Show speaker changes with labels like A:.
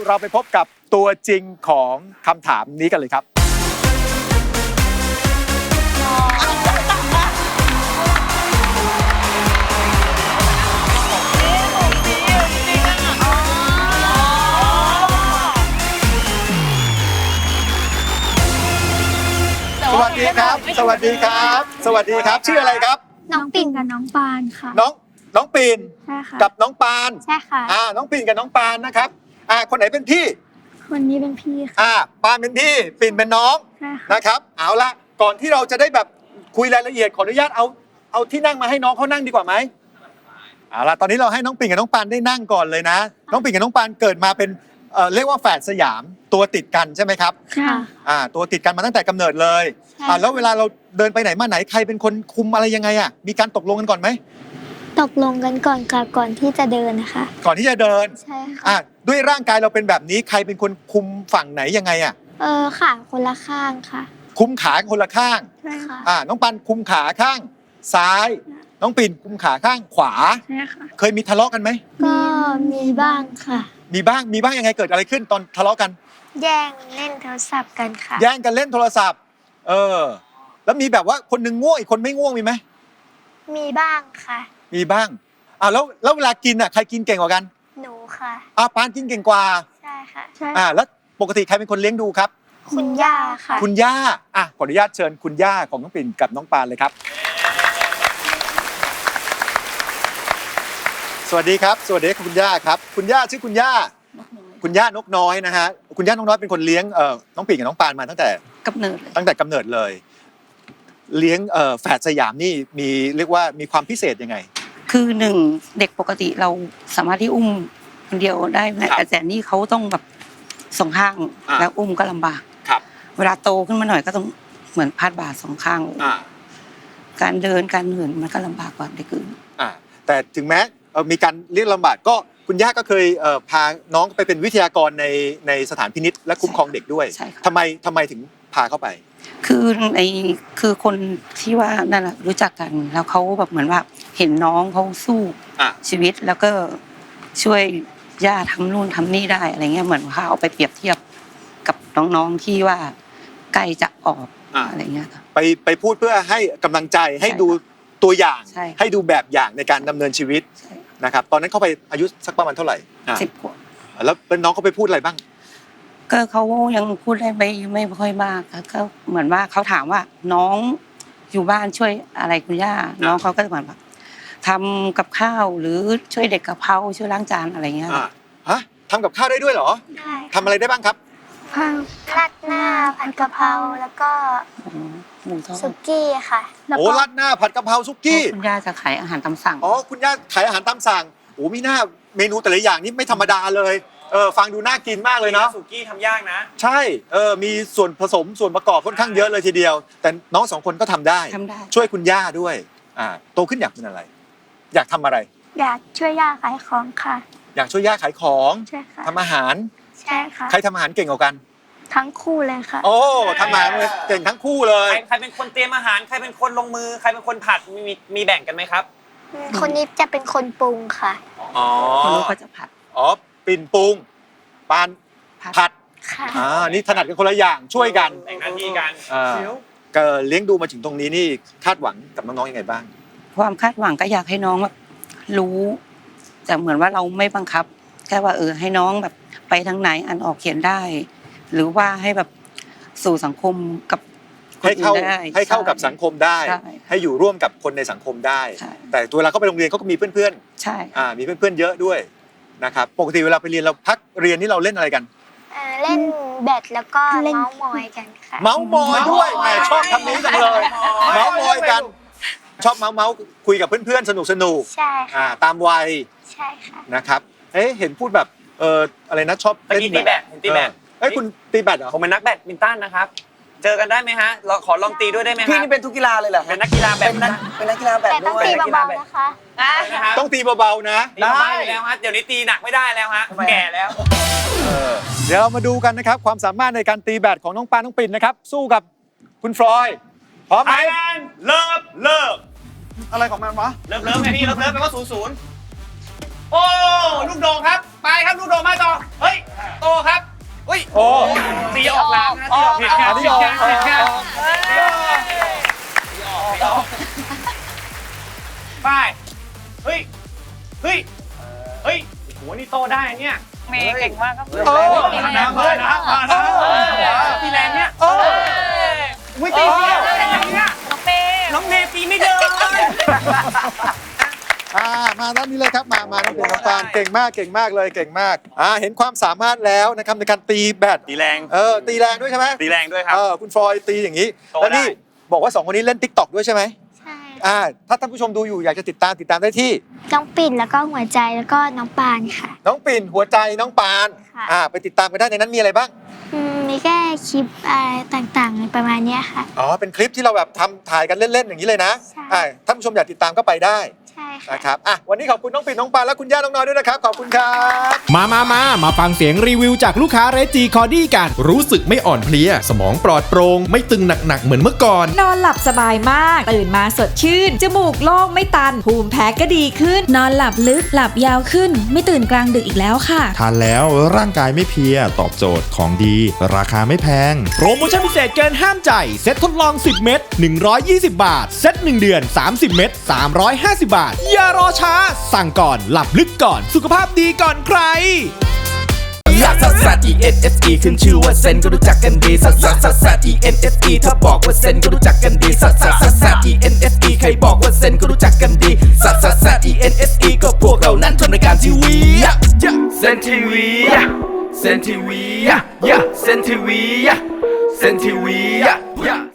A: เราไปพบกับตัวจริงของคำถามนี้กันเลยครับสวัสดีครับ สวัสดีครับ สวัสดีครับ ชื่ออะไรครับ
B: น้องปิ่นกับน้องปานค่ะ
A: น้องปีน
B: ใช่ค่ะ
A: กับน้องปาน
B: ใช่ค่ะ
A: น้องปีนกับน้องปานนะครับคนไหนเป็นพี่
B: คนนี้เป็นพี่ค่ะ
A: ปานเป็นพี่ปีนเป็นน้อง
B: ใช่ค่ะ
A: นะครับ เอาละก่อนที่เราจะได้แบบคุยรายละเอียดขออนุญาตเอาที่นั่งมาให้น้องเขานั่งดีกว่าไหมเอาละตอนนี้เราให้น้องปิ่นกับน้องปานได้นั่งก่อนเลยนะ น้องปิ่นกับน้องปานเกิดมาเป็นเรียกว่าแฝดสยามตัวติดกันใช่ไหมครับ
B: ค่ะ
A: ตัวติดกันมาตั้งแต่กำเนิดเลย
B: ใช่
A: แล้วเวลาเราเดินไปไหนมาไหนใครเป็นคนคุมอะไรยังไงมีการตกลงกันก่อนไหม
B: ตกลงกันก่อนค่ะ ก่อนที่จะเดินนะคะ
A: ก่อนที่จะเดิน
B: ใช่ค่ะ
A: ด้วยร่างกายเราเป็นแบบนี้ใครเป็นคนคุมฝั่งไหนยังไง
B: ค่ะคนละข้างค่ะ
A: คุมขาคนละข้าง
B: ใช่ค่ะ
A: น้องปันคุมขาข้างซ้าย น้องปิ่นคุมขาข้างขวา
B: ใช่ค่ะ
A: เคยมีทะเลาะกันไหม
B: ก็มีบ้างค่ะ
A: มีบ้างยังไงเกิดอะไรขึ้นตอนทะเลาะกัน
B: แย่งเล่นโทรศัพท์กันค่ะ
A: แย่งกันเล่นโทรศัพท์แล้วมีแบบว่าคนหนึงง่วงอีกคนไม่ง่วงมีไหม
B: มีบ้างค่ะ
A: มีบ้างแล้วเวลากินใครกินเก่งกว่ากัน
B: หนูค่ะ
A: ปานกินเก่งกว่า
B: ใช่ค่ะ ใช่
A: แล้วปกติใครเป็นคนเลี้ยงดูครับ
B: คุณย่าค่ะ
A: คุณย่าขออนุญาตเชิญคุณย่าของน้องปิ่นกับน้องปานเลยครับ สวัสดีครับ สวัสดีคุณย่าครับ คุณย่าชื่อคุณย่านกน้อยนะฮะ คุณย่านกน้อยเป็นคนเลี้ยงน้องปิ่นกับน้องปานมาตั้งแต่กำเนิดเลย เลี้ยงแฝดสยามนี่เรียกว่ามีความพิเศษยังไง
C: คือหนึ่งเด็กปกติเราสามารถที่อุ้มคนเดียวได้ไหมแต่นี่เขาต้องแบบสองข้างแล้วอุ้มก็ลำบาก
A: ครับ
C: เวลาโตขึ้นมาหน่อยก็ต้องเหมือนพาดบ่าสองข้างการเดินการเหินมันก็ลำบากกว่าเด็กอื่น
A: แต่ถึงแม้มีการเรียกลำบากก็คุณย่าก็เคยพาน้องไปเป็นวิทยากรในสถานพินิจและคุ้มครองเด็กด้วยทำไมถึงพาเข้าไป
C: คือคนที่ว่านั่นแหละรู้จักกันแล้วเขาแบบเหมือนว่าเห็นน้องเขาสู้ชีวิตแล้วก็ช่วยย่าทำนู่นทำนี่ได้อะไรเงี้ยเหมือนเขาเอาไปเปรียบเทียบกับน้องๆที่ว่าใกล้จะออกอะไรเงี้ย
A: ไปพูดเพื่อให้กำลังใจให้ดูตัวอย่างให้ดูแบบอย่างในการดำเนินชีวิตนะครับตอนนั้นเขาไปอายุสักประมาณเท่าไหร่
C: 10 ขวบ
A: แล้วเป็นน้องเขาไปพูดอะไรบ้าง
C: ก็เขายังพูดได้ไม่ค่อยมากก็เหมือนว่าเขาถามว่าน้องอยู่บ้านช่วยอะไรคุณย่าน้องเขาก็จะเหมือนแบบทำกับข้าวหรือช่วยเด็กกะเพราช่วยล้างจานอะไรเงี้ย
A: ทำกับข้าวได้ด้วยเหรอ
B: ได้
A: ทำอะไรได้บ้างครับ
B: ราดหน้าผัดกะเพราแล้วก็
C: หมูทอด
B: สุกี้ค่ะ
A: ราดหน้าผัดกะเพราสุกี้
C: คุณย่าจะขายอาหารตามสั่ง
A: คุณย่าขายอาหารตามสั่งมีหน้าเมนูแต่ละอย่างนี่ไม่ธรรมดาเลยฟังดูน่ากินมากเลยเนาะ
D: สุกี้ทำยากนะ
A: ใช่มีส่วนผสมส่วนประกอบค่อนข้างเยอะเลยทีเดียวแต่น้อง2 คนก็ทำได้ช่วยคุณย่าด้วยโตขึ้นอยากเป็นอะไรอยากทำอะไร
B: อยากช่วยย่าขายของค่ะ
A: อยากช่วยย่าขายของ
B: ใช่ค่ะ
A: ทำอาหาร
B: ใช่ค่ะ
A: ใครทำอาหารเก่งกว่ากัน
B: ทั้งคู่เลยค่ะ
A: ทำอาหารเก่งทั้งคู่เลย
D: ใครเป็นคนเตรียมอาหารใครเป็นคนลงมือใครเป็นคนผัดมีแบ่งกันไหมครับ
B: คนนี้จะเป็นคนปรุงค่ะ
C: คนนู้นก็จะผัด
A: ปิ่นปรุงปานผัดนี่ถนัดกันคนละอย่างช่วยกัน
D: แบ่งหน้าที่กัน
A: ก็เลี้ยงดูมาถึงตรงนี้นี่คาดหวังกับน้องๆยังไงบ้าง
C: ความคาดหวังก็อยากให้น้องแบบรู้แต่เหมือนว่าเราไม่บังคับแค่ว่าให้น้องแบบไปทางไหนอ่านออกเขียนได้ หรือว่าให้แบบสู่สังคมกับ
A: ให้เข้ากับสังคมได้ให้อยู่ร่วมกับคนในสังคมได้แต่เวลาเขาไปโรงเรียนเขาก็มีเพื่อน
C: ๆใช่
A: มีเพื่อนๆเยอะด้วยนะครับปกติเวลาไปเรียนเราพักเรียนนี่เราเล่นอะไรกัน
B: เล่นแบดแล้วก็เมาส์มอยกันค่ะ
A: เมาส์มอยด้วยแหมชอบคำนี้จังเลยเมาส์มอยกันชอบเมาส์คุยกับเพื่อนๆสนุก
B: ใช่ค่ะ
A: ตามวัย
B: ใช่ค่ะ
A: นะครับเห็นพูดแบบอะไรนะชอบ
D: เล่นตีแบด
A: คุณตีแบดเหรอ
D: ผมเป็นนักแบดมินตันนะครับเจอกันได้ไหมฮะเราขอลองตีด้วยได้ไหมครับ
E: พี่นี่เป็นทุกกีฬาเลยเหรอ
D: เป็นนักกีฬาแบบ
E: เป็นนักกีฬาแบบ
B: แต่ต้องตีเบาๆนะคะ
A: ต้องตีเบาๆนะ
D: ได้แล้วฮะเดี๋ยวนี้ตีหนักไม่ได้แล้วฮะแก่แล้ว
A: เดี๋ยวเรามาดูกันนะครับความสามารถในการตีแบดของน้องปานน้องปิ่นนะครับสู้กับคุณฟลอยพร้อมไหม
D: เลิฟ
A: อะไรของมันวะ
D: เลิฟไงพี่เลิฟแปลว่า00โอ้ลูกโด่งครับไปครับลูกโด่งมาต่อเฮ้ยโตค
A: โอ้
D: ตีออกหลังนะตีออกผิด
A: อันนี้ออก
D: ผิดแค่ป้ายเฮ้ยเฮ้ยเฮ้ยโหนี่โตได้เนี่ยเมย์เก่งมากครับมานะตีแรงเนี่ยไม่ตีเดียวน้องเมย์ตีไม่เดิน
A: มาด้านนี้เลยครับมาน้องปิ่นน้องปานเก่งมากเก่งมากเลยเก่งมากเห็นความสามารถแล้วนะครับในการตีแบด
D: ตีแรง
A: ตีแรงด้วยใช่ไหม
D: ตีแรงด้วยครับ
A: คุณฟลอยตีอย่างนี้แล้วนี่บอกว่า2คนนี้เล่น TikTok ด้วยใช่ไหม
B: ใช่
A: ถ้าท่านผู้ชมดูอยู่อยากจะติดตามได้ที่
B: น้องปิ่นแล้วก็หัวใจแล้วก็น้องปานค่ะ
A: น้องปิ่นหัวใจน้องปาน
B: ค่ะ
A: ไปติดตามกันได้ในนั้นมีอะไรบ้าง
B: มีแค่คลิปอะไรต่างๆประมาณเนี้ยค่ะ
A: เป็นคลิปที่เราแบบถ่ายกันเล่นๆอย่างนี้เลยนะ
B: ใช่
A: ท่านผู้ชมอยากติดตามก็ไปได้
B: ใช่ค่ะ
A: นะครับวันนี้ขอบคุณน้องปิ่นน้องปานและคุณย่าน้องน้อยด้วยนะครับขอบคุณครับ
E: มาฟังเสียงรีวิวจากลูกค้าเรจีคอร์ดี้กัน รู้สึกไม่อ่อนเพลีย สมองปลอดโปร่งไม่ตึงหนักๆเหมือนเมื่อก่อน
F: นอนหลับสบายมาก ตื่นมาสดชื่น จมูกโล่งไม่ตัน ภูมิแพ้ก็ดีขึ้น
G: นอนหลับลึกหลับยาวขึ้น ไม่ตื่นกลางดึกอีกแล้วค่ะ
H: ทานแล้วร่างกายไม่เพลียตอบโจทย์ของดี ราคาไม่แพง
E: โปรโมชั่นพิเศษเกินห้ามใจ เซ็ตทดลอง 10 เม็ด120 บาท เซ็ต1 เดือน 30 เม็ด350 บาท อย่ารอช้า สั่งก่อนหลับลึกก่อนสุขภาพดีก่อนใคร
I: ลักซัสซัส ENSE ขึ้นชื่อว่าเซนก็รู้จักกันดีซัสซัสซัสซัส ENSE ถ้าบอกว่าเซนก็รู้จักกันดีซัสซัสซัสซัส ENSE ใครบอกว่าเซนก็รู้จักกันดีซัสซัสซัส ENSE ก็พวกเรานั้นทำรายการทีวีเซนทีวีเซนทีวีเซนทีวีเซนทีวี